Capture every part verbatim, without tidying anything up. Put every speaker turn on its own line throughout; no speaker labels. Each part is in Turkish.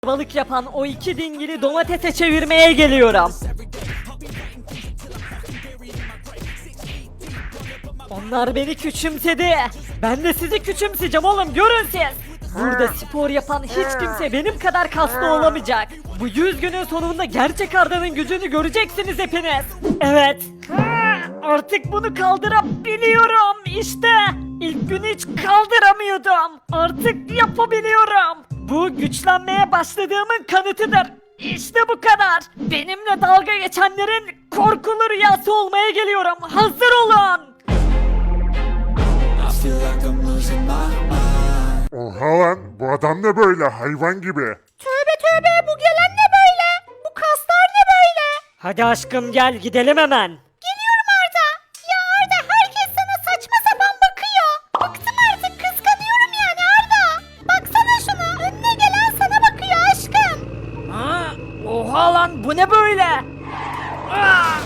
balık yapan o iki dingili domatese çevirmeye geliyorum. Onlar beni küçümsedi. Ben de sizi küçümseyeceğim oğlum, görün siz. Burada spor yapan hiç kimse benim kadar kaslı olamayacak. Bu yüz günün sonunda gerçek Arda'nın gücünü göreceksiniz hepiniz. Evet. Artık bunu kaldırabiliyorum. İşte ilk gün hiç kaldıramıyordum. Artık yapabiliyorum. Bu güçlenmeye başladığımın kanıtıdır. İşte bu kadar. Benimle dalga geçenlerin korkulu rüyası olmaya geliyorum. Hazır olun.
Oha lan, bu adam ne böyle hayvan gibi.
Tövbe tövbe, bu gelen ne böyle? Bu kaslar ne böyle?
Hadi aşkım gel gidelim hemen.
Geliyorum Arda. Ya Arda, herkes sana saçma sapan bakıyor. Bıktım artık, kıskanıyorum yani Arda. Baksana şuna, önüne gelen sana bakıyor aşkım.
Ha? Oha lan, bu ne böyle? Aa!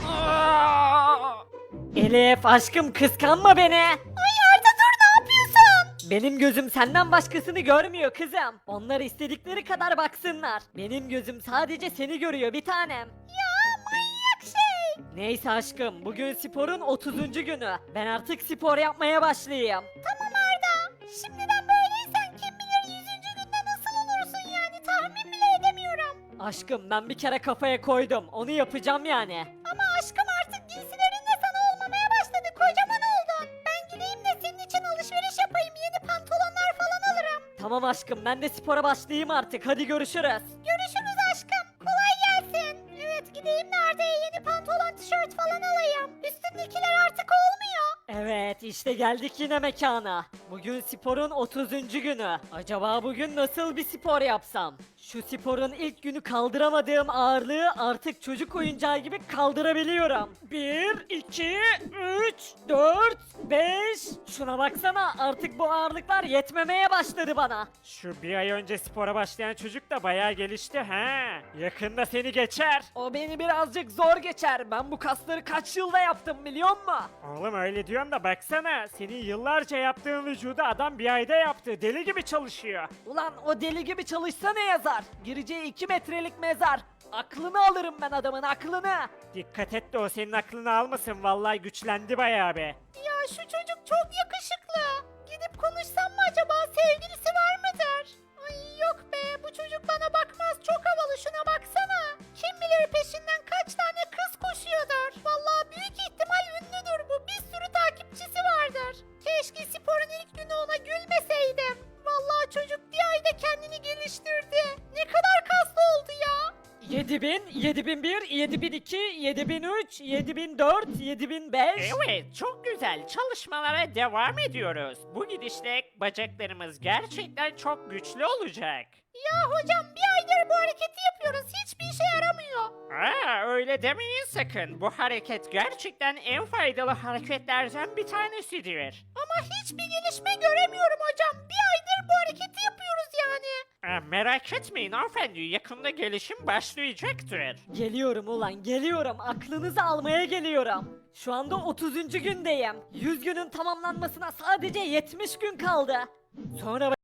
Aa! Elif aşkım kıskanma beni.
Ay Arda, dur, ne yapıyorsun?
Benim gözüm senden başkasını görmüyor kızım. Onlar istedikleri kadar baksınlar. Benim gözüm sadece seni görüyor bir tanem.
Ya manyak şey.
Neyse aşkım, bugün sporun otuzuncu günü. Ben artık spor yapmaya başlayayım.
Tamam Arda. Şimdiden böyleysen kim bilir yüzüncü günde nasıl olursun yani, tahmin bile edemiyorum.
Aşkım ben bir kere kafaya koydum. Onu yapacağım yani.
Ama aşkım artık giysilerin de sana olmamaya başladı. Kocaman oldun. Ben gideyim de senin için alışveriş yapayım. Yeni pantolonlar falan alırım.
Tamam aşkım, ben de spora başlayayım artık. Hadi görüşürüz.
Görüşürüz aşkım. Kolay gelsin. Evet, gideyim de Arda'ya yeni pantolon, tişört falan alayım. Üstündekiler artık olmuyor.
Evet, işte geldik yine mekana. Bugün sporun otuzuncu günü. Acaba bugün nasıl bir spor yapsam? Şu sporun ilk günü kaldıramadığım ağırlığı artık çocuk oyuncağı gibi kaldırabiliyorum. bir, iki, üç, dört, beş. Şuna baksana, artık bu ağırlıklar yetmemeye başladı bana. Şu bir ay önce spora başlayan çocuk da bayağı gelişti ha. Yakında seni geçer. O beni birazcık zor geçer. Ben bu kasları kaç yılda yaptım biliyor musun? Oğlum öyle diyorum da baksana. Senin yıllarca yaptığın vücudu adam bir ayda yaptı. Deli gibi çalışıyor. Ulan o deli gibi çalışsa ne yazar? Gireceği iki metrelik mezar. Aklını alırım ben adamın, aklını. Dikkat et de o senin aklını almasın. Vallahi güçlendi bayağı be.
Ya şu çocuk çok yakışıklı. Gidip konuşsam mı acaba, sevgilisi var mıdır? Ay yok be, bu çocuk bana bakmaz, çok havalı, şuna baksana. Kim bilir peşinden kaç tane kız koşuyordur. Vallahi büyük ihtimal ünlüdür bu, bir sürü takipçisi vardır. Keşke sporun ilk günü ona gülmeseydim. Vallahi çocuk bir ayda kendini geliştirdi. Ne kadar kaslı oldu ya.
yedi bin, yedi bin bir, yedi bin iki, yedi bin üç, yedi bin dört, yedi bin beş.
Evet, çok güzel. Çalışmalara devam ediyoruz. Bu gidişle bacaklarımız gerçekten çok güçlü olacak.
Ya hocam, bir aydır bu hareketi yapıyoruz, hiçbir işe yaramıyor.
Aa, öyle demeyin sakın. Bu hareket gerçekten en faydalı hareketlerden bir tanesidir.
Ama hiçbir gelişme göremiyorum hocam. Bir aydır bu hareketi yapıyoruz yani.
Aa, merak etmeyin hanımefendi, yakında gelişim başlayacaktır.
Geliyorum ulan, geliyorum. Aklınızı almaya geliyorum. Şu anda otuzuncu gündeyim. yüz günün tamamlanmasına sadece yetmiş gün kaldı. Sonra